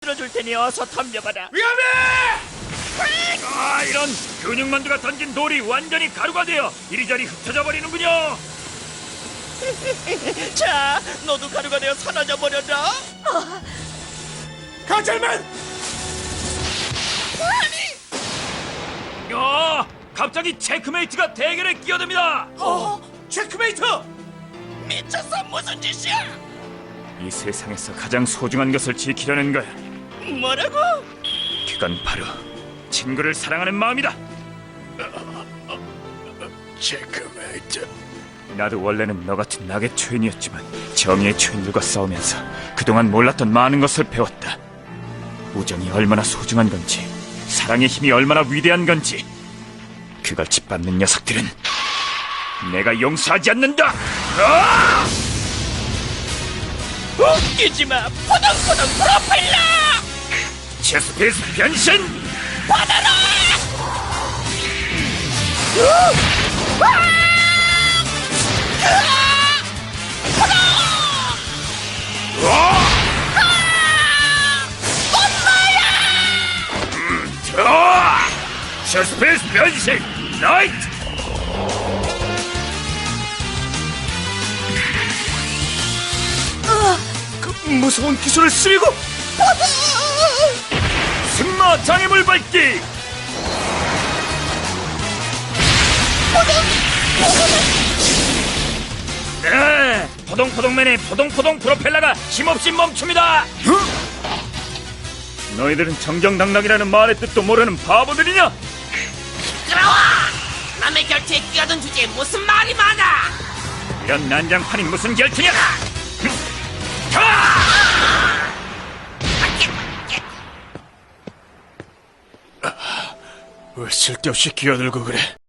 눌러줄 테니 어서 덤벼봐라. 위험해! 아, 이런 근육만두가 던진 돌이 완전히 가루가 되어 이리저리 흩어져 버리는군요. 자, 너도 가루가 되어 사라져 버려라. 강철맨! 야, 갑자기 체크메이트가 대결에 끼어듭니다. 체크메이트! 미쳤어, 무슨 짓이야? 이 세상에서 가장 소중한 것을 지키려는 거야. 뭐라고? 그건 바로 친구를 사랑하는 마음이다. 체크메이트. 나도 원래는 너 같은 낙의 초인이었지만 정의의 초인들과 싸우면서 그동안 몰랐던 많은 것을 배웠다. 우정이 얼마나 소중한 건지, 사랑의 힘이 얼마나 위대한 건지, 그걸 짓밟는 녀석들은 내가 용서하지 않는다. 웃기지 마, 포동포동 프로펠러! 체스피스 변신! 받아라! 체스피스 변신! 라이트! 그 무서운 기술을 쓰리고 승마 장애물 밟기! 네, 포동포동맨의 포동포동 프로펠러가 힘없이 멈춥니다. 너희들은 정정당당이라는 말의 뜻도 모르는 바보들이냐? 시끄러워! 남의 결투에 끼어든 주제에 무슨 말이 많아! 이런 난장판이 무슨 결투냐? 왜 쓸데없이 끼어들고 그래?